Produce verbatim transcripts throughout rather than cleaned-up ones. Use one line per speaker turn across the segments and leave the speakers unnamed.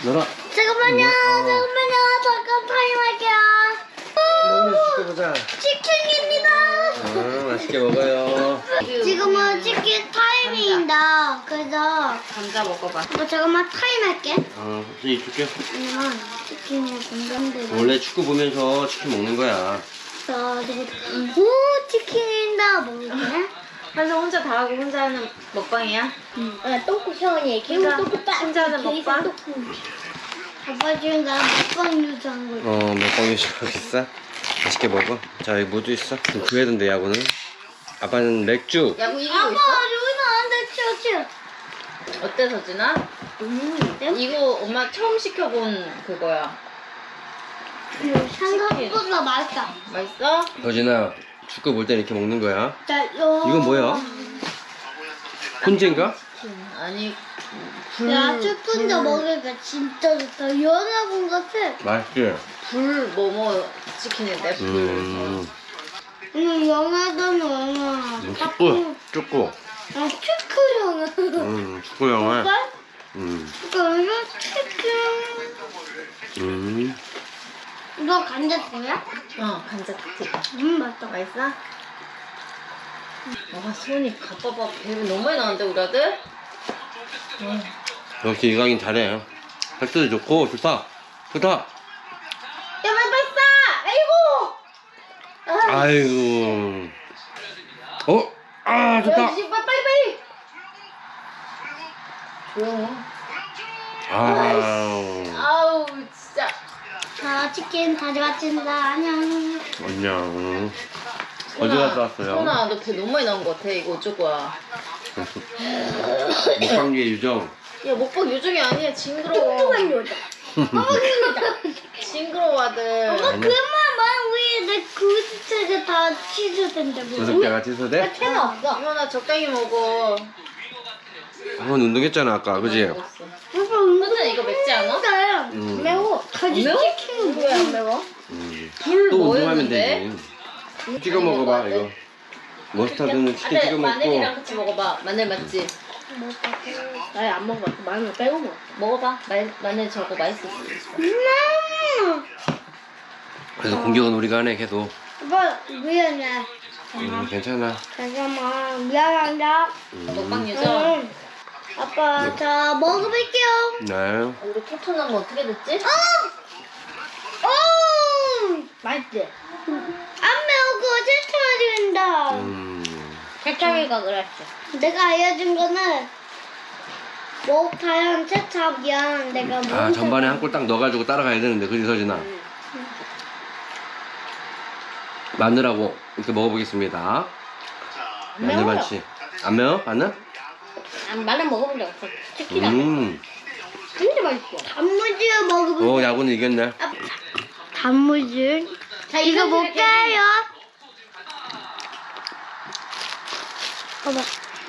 놀아.
잠깐만요. 잠깐만요. 잠깐 타임할게요.
오늘 시켜보자.
치킨입니다.
아, 맛있게 먹어요.
지금은 치킨 타임입니다. 그래서
감자 먹어봐.
뭐 잠깐만 타임할게.
어, 이제 줄게.
왜냐면 치킨이 건강대로.
원래 축구 보면서 치킨 먹는 거야.
자, 이거 오 치킨이다 먹을게.
그래서 혼자 다 하고 혼자 하는 먹방이야?
응. 아, 똥꼬 형이 개우
혼자-
똥꼬 빠.
혼자 하는 먹방?
아빠 지금 나 먹방 유지한 거지.
어, 몇 번이 좋아하겠어? 맛있게 먹어. 자, 여기 모두 있어. 좀 구해야 된대, 야구는. 아빠는 맥주.
야구 이기고
아빠
있어?
여기는 안 돼, 치워 치워.
어때 서진아?
음,
이거 엄마 처음 시켜본 그거야.
생각보다 맛있다.
맛있어?
서진아, 축구 볼 때 이렇게 먹는 거야.
자, 요.
이건 뭐야? 훈제인가?
음, 아니 불,
야, 스푼도
불-
먹으니까 진짜 좋다. 연어군 같아.
맛있지?
불 뭐뭐 치킨인데 불.
음,
응, 연어든 연어.
음, 축구, 축구.
아, 치크 연어.
음, 축구 영화.
오빠?
음,
그러면 치킨.
음.
이거 감자튀김이야?
어 감자튀김.
음, 맛있다.
맛있어? 와 손이 가빠봐 배가 너무 많이 나는데 우리 아들? 어.
역시 이강인 잘해. 헬스도 좋고, 좋다. 좋다.
야 빨리 빨리 싸! 아이고! 아,
아이고. 어? 아,
야,
좋다.
빨리 빨리 빨리! 조용해.
아,
아우 진짜.
자, 치킨 다시 마친다. 안녕.
안녕. 어디 갔다 왔어요?
소나 너 배 너무 많이 나온 것 같아. 이거 어쩔 거야?
먹방계 유정.
야 먹방 요정이 아니야. 징그러워.
뚱뚱한 여자. 어머, 그거다.
징그러워 아들.
엄마, 그만 말 위에 내 구두체가 다 치즈된다고.
구석대가 취소돼?
채가 없어.
이모나 적당히 먹어.
한번 운동했잖아, 아까. 그지?
먹었어.
오빠 은근
서진아 이거 맵지 않아?
음.
매워. 가지
매워?
치킨은
왜 안
매워.
매워?
음.
불
또 운동하면
뭐였는데?
되지. 찍어 먹어봐, 이거. 머스타드는 치킨
아들
찍어
마늘이랑
먹고.
같이 먹어봐. 마늘 맞지?
아예 안 먹어봤어. 마늘 빼고 먹어.
먹어봐. 마, 마늘 저거 맛있을 수 있어.
음.
그래서 공격은 우리가 하네, 계속.
아빠 미안해.
음, 괜찮아.
잠깐만 미안합니다.
음.
먹방 유정.
응. 아빠 자 먹어볼게요.
네.
우리 토토는 뭐 어떻게 됐지?
오 맛있지? 안 매우고 세차가 된다.
음.
세차기가 그랬어. 내가 알려준 거는 뭐 과연 세차기야. 내가 뭐
아, 전반에 한 꼴 딱 넣어가지고 따라가야 되는데, 그지, 서진아? 마늘하고 이렇게 먹어보겠습니다. 마늘 반치. 안 매워? 마늘?
안 마늘 먹어본 적 없어. 치킨이
음.
진짜 맛있어. 단무지 먹어본.
오, 야구는 이겼네.
단무지. 자 이거 볼게요. 봐봐.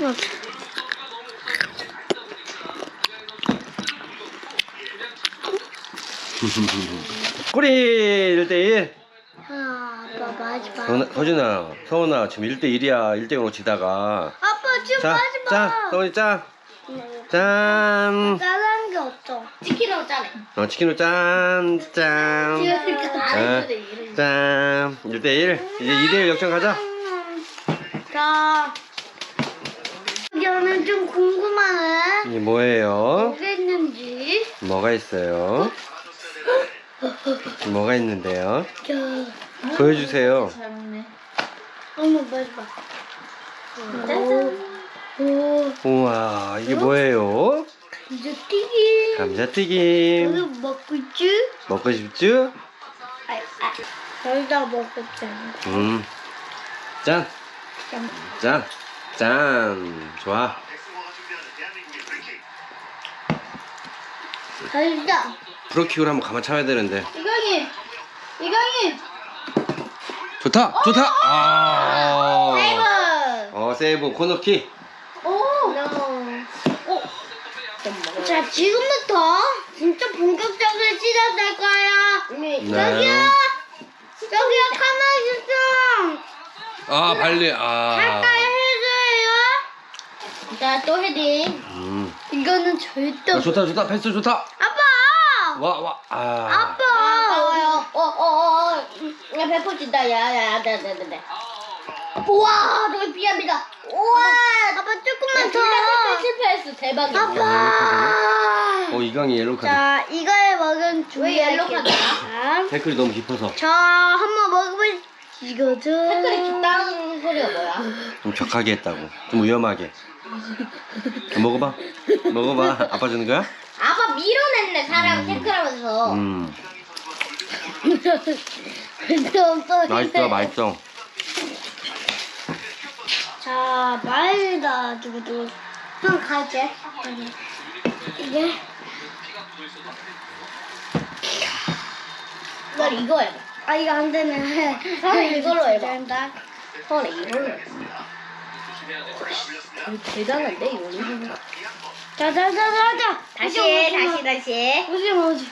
꼬리 일 대 일.
아, 아빠 마지막.
서진아, 서진아, 서원아, 지금 일 대 일이야. 일 대 영으로 지다가.
아빠 지금
자,
마지막.
짠! 서원이 짠! 짠!
짜는 게 없어. 치킨으로 짜네.
어, 치킨으로 짠! 짠!
짠.
자, 짠! 일 대 일. 이제 이 대 일 역전 가자.
자, 저는 좀 궁금하네.
이게 뭐예요?
뭐가 있는지.
뭐가 있어요? 뭐가 있는데요?
자,
보여주세요.
잘 먹네.
어머, 마지막.
짜잔.
오,
우와, 이게 뭐예요?
이제 튀김. 이거
감자튀김.
먹고 있지?
먹고 싶죠?
아, 아. 여기다 먹었잖아.
음. 짠!
짠.
짠! 짠! 좋아.
달다.
프로킥으로 한번 가만 참아야 되는데.
이강인! 이강인!
좋다! 좋다! 아!
세이브.
어, 세이브 코너킥.
오!
오. 자, 지금부터 진짜 본격적으로 시작될 거야.
네.
저기요. 저기요, 카메라 좀.
아, 발리. 아.
가까이 해줘요. 자, 또 헤딩.
음.
이거는 절대
아,
없어.
좋다, 좋다. 패스 좋다.
아빠!
와, 와, 아.
아빠.
나와요. 어, 어, 어. 야, 배포진다. 야, 야, 야, 네, 네, 네, 네. 우와, 너 미안합니다. 우와.
아빠 조금만
둘다
더.
실패했어. 대박이야.
아빠.
어, 이강이 옐로우 카드.
자, 이걸 먹은
왜 옐로우
준비할게요.
카드야?
태클이 너무 깊어서.
자, 한번 먹어볼 이거죠.
댓글이 깊다는 소리가 뭐야?
좀 격하게 했다고. 좀 위험하게. 먹어봐. 먹어봐. 아빠 주는 거야?
아빠 밀어냈네, 사람 태클하면서.
음.
근데 없어.
맛있어, 맛있어.
자, 말다 두고도 형 갈게. 이게
나 이거 해봐.
아 이거 안 되네.
형은 이걸로 해봐.
된다.
헐, 이걸로 해. 이거 대단한데, 이거는?
자자자자자.
다시 해, 다시, 다시.
오지 오지.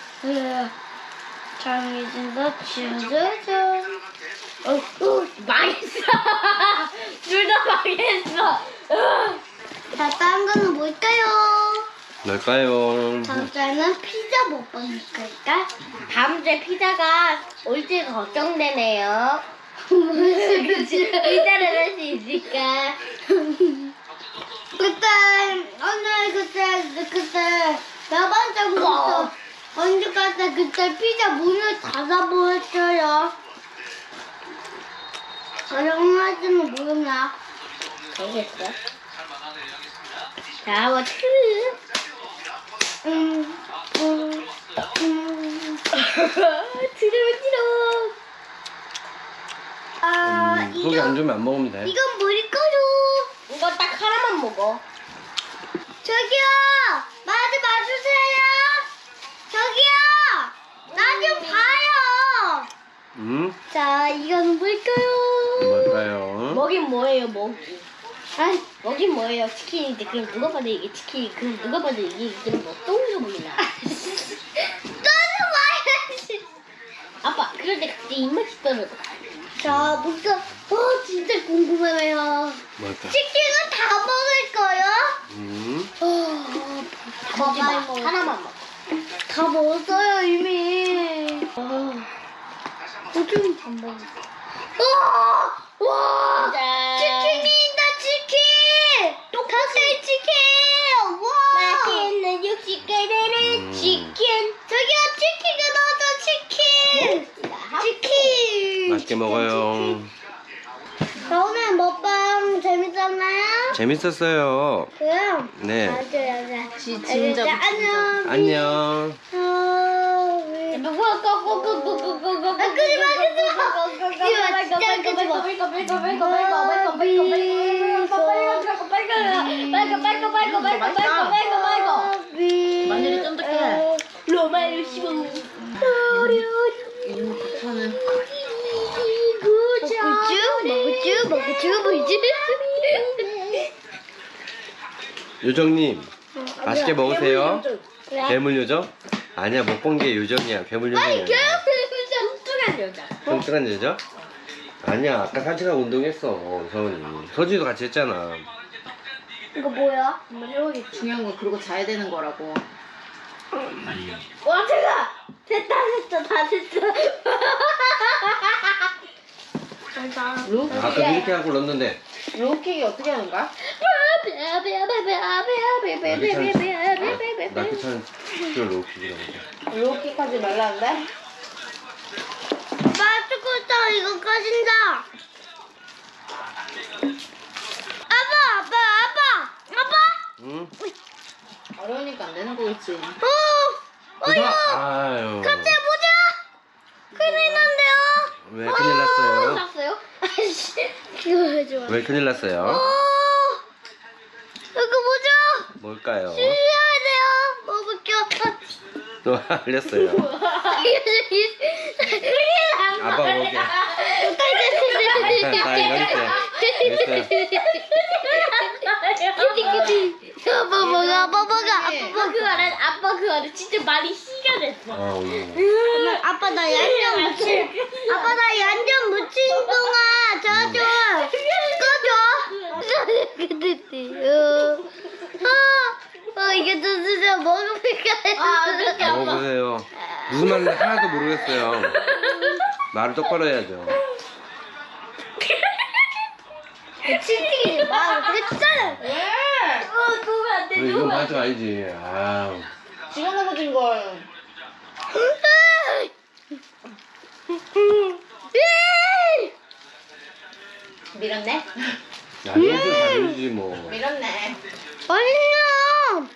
정해진다. 짜자자.
어, 어, 망했어. 둘 다 망했어.
자, 다른 거는 뭘까요?
뭘까요?
다음 주에는 피자 먹방일까?
다음 주에 피자가 올지 걱정되네요.
그치?
피자를 할 수 있을까?
그때 오늘 그때 그때 몇 번째부터 언제 갔다 그때 피자 문을 닫아버렸어요. 사용하지는 모르나?
알겠어. 자, 뭐, 트르.
음, 음, 음.
트르지로.
아,
음, 속이 안 좋으면 안 먹으면 돼.
이건 뭘까요?
이거 딱 하나만 먹어.
저기요, 마지 마주세요. 저기요, 나 좀 봐요.
음?
자, 이건 뭘까요?
뭘까요?
먹인 뭐예요, 먹이?
아이,
먹인 뭐예요? 치킨인데 그럼 누가 봐도 이게 치킨, 그럼 누가 봐도 이게 그럼 뭐 똥으로 보이나?
떠는 와야지.
아빠, 그럴 때 갑자기 입맛이 떨어져.
자, 뭔가 어 진짜 궁금해요.
뭘까?
치킨은 다 먹을 거요?
음?
어,
다 먹지 마. 하나만 먹어.
다 먹었어요 이미. 어, 어좀 안 먹어. 와, 와,
짠.
치킨이다 치킨. 닭살 치킨. 와.
맛있는 육식계들은
음.
치킨.
저기요 치킨이 넣어서 치킨. 치킨.
맛있게 먹어요.
자, 오늘 먹방 재밌었나요?
재밌었어요.
그럼
네.
맞아요, 맞아요.
지- 진짜
알겠죠? 안녕.
안녕.
어, 우리- 아, 끄지 마, 끄지 마, 끄지 마.
마늘이 쫀득해. 로마로 씹어. 이거 박차는
먹었쥬? 먹었쥬? 먹었쥬? 뭐지?
요정님, 맛있게 먹으세요.
그래.
괴물 요정? 아니야, 못 본 게 요정이야. 괴물 요정이야.
뚱뚱한 여자.
뚱뚱한 여정? 아니야, 아까 산책하고 운동했어. 서은이. 서준이도 같이 했잖아.
이거 뭐야?
한번 해보기 중요한 건 그러고 자야 되는 거라고.
와, 제가 됐다, 됐다, 다 됐다.
로우킥.
아까 이렇게 하고 넣었는데.
로우킥이 어떻게 하는 거야?
나그찬 그걸 로우킥이라고 해.
로우킥 하지 말라는데?
맛있겠다, 이거 꺼진다. 아빠, 아빠, 아빠, 아빠.
응?
어려우니까 안 되는 거겠지.
어, 어, 이거
아유.
갑자기 보자. 큰일 난대요.
왜 큰일 났어요?
났어요?
아이씨, 이거 해줘.
왜 큰일
어,
났어요?
이거 보자.
뭘까요?
주셔야 돼요. 먹을게요.
또 알렸어요. 아빠 먹을게. 다 이만했어요.
아빠 먹어, 아빠 먹어, 아빠
아빠 그 안에 아빠 그 안에 진짜 많이 희가 됐어.
아, 음.
먹어. 아빠 나 얀전 묻힌, 아빠 나 얀전 묻힌 동안 저좀 꺼줘. 아, 어, 이게 또 진짜 먹으니까.
아, 어떡해, 아빠.
먹어보세요. 무슨 말인지 하나도 모르겠어요. 말을 똑바로 해야죠.
치팅이 막 했잖아.
왜? 어, 누면 안 돼,
그래, 이건
누면 안
맞아 알지. 아,
시간 넘어진 걸. 밀었네?
야, 이건 다 들리지 뭐.
밀었네.
아니야.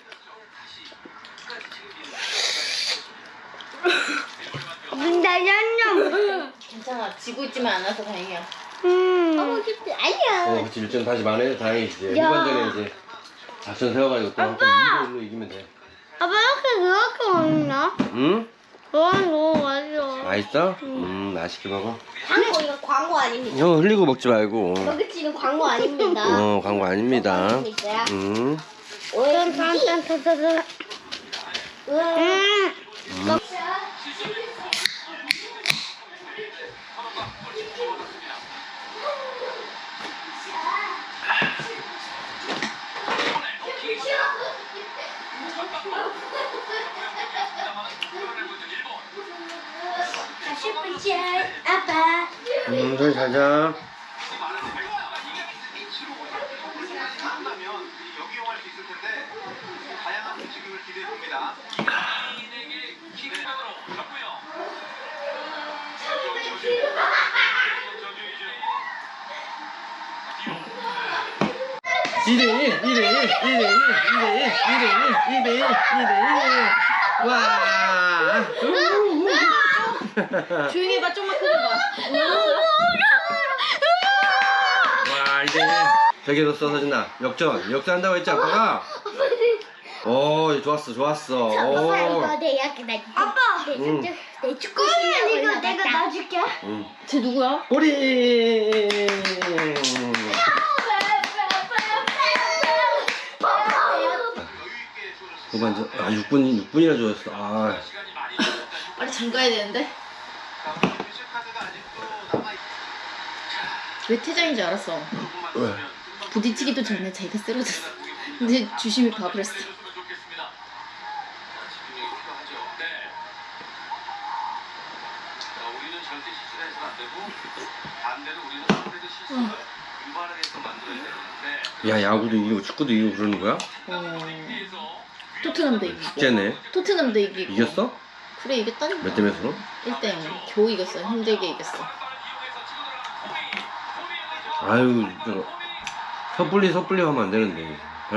나 양념.
괜찮아. 지고 있지만 않아서 다행이야.
음.
하고 싶지? 아니야.
어, 그치. 일점 다시 만회해서 다행이지.
야.
후반전에 이제 작전 세워가지고 또 한번 이로 일로 이기면 돼.
아빠 이렇게 그렇게 먹나?
응?
와 너무 맛있어.
맛있어? 음, 맛있게 먹어.
광고, 이거 광고 아닙니다.
형 흘리고 먹지 말고.
먹을지는 광고 아닙니다.
어, 광고 아닙니다.
아닙니다.
음.
짠짠짠짠짠. 음.
아빠.
음, 저기 잘 자. 이 대 일, 이 대 일, 이 대 일, 이 대 일, 이 대 일, 이 대 일, 이 대 일. 와.
조용히 해봐, 좀만 크게 봐.
와, 이제 저기 뒀어, 서진아. 역전, 역전한다고 했지, 아빠가? 오, 좋았어, 좋았어. 오.
내 약간 나.
아빠.
응.
내 축구
그러면
실력을
이거 내가
나갔다.
놔줄게.
응.
쟤 누구야?
꼬리. 후반전, 아, 육 분, 육 분이나 좋았어. 아.
빨리 잠가야 되는데. 왜 퇴장인 줄 알았어.
왜?
부딪히기도 전에 자기가 쓰러졌어. 근데 주심이 봐버렸어.
야, 야구도 이기고 축구도 이기고 그러는 거야?
어... 토트넘도 이기고.
숙제네.
토트넘도 이기고.
이겼어?
그래 이겼다니까.
몇 대 몇으로?
일 대 영. 겨우 이겼어. 힘들게 이겼어.
아유, 저 섣불리 섣불리 하면 안 되는데.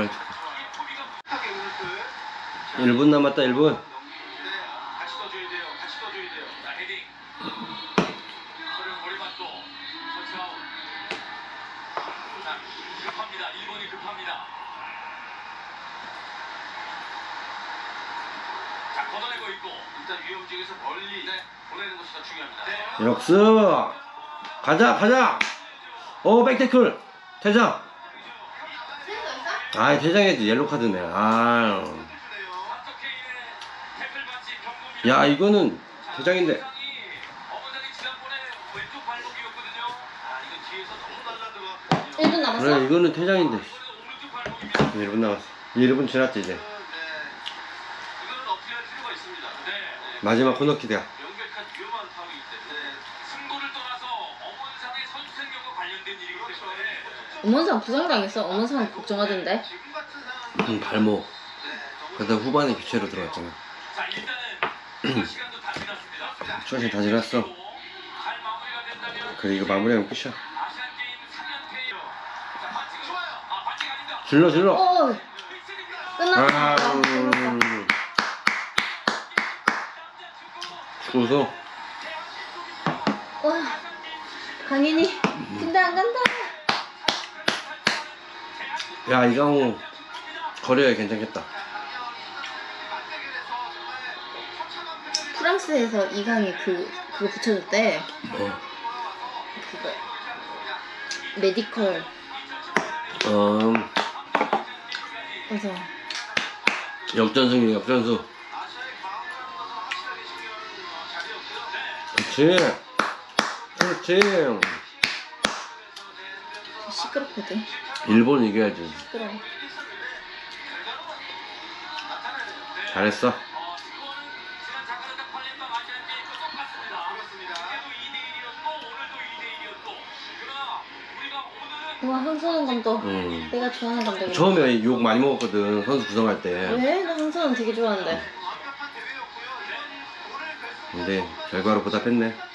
일 분 남았다, 일 분. 역습! 가자, 가자! 오, 백태클! 퇴장! 아, 퇴장해야지. 옐로 카드네. 아. 야, 이거는 퇴장인데.
일 분 남았어?
그래, 이거는 퇴장인데. 일 분 남았어. 일 분 지났지, 이제. 마지막 코너킥이야.
엄원상 부상당했어. 엄원상 걱정하던데.
응, 발목. 그러다 후반에 교체로 들어갔잖아. 초심 다 지났어. 그래, 이거 마무리하면 끝이야. 질러, 질러.
어. 끝났다.
아,
끝났다.
죽어서.
와. 강인이. 근데 안 간다.
야, 이강호 거려야 괜찮겠다.
프랑스에서 이강이 그 그거 붙여줬대.
어.
그거 메디컬.
어.
그래서
역전승이야, 역전승. 그렇지. 그렇지.
시끄럽거든.
일본 이겨야지.
시끄러워.
잘했어.
와, 황선홍 감독.
음.
내가 좋아하는 감독이야.
처음에 욕 많이 먹었거든, 선수 구성할 때.
왜? 나 황선홍 되게 좋아하는데.
근데 결과로 보답했네.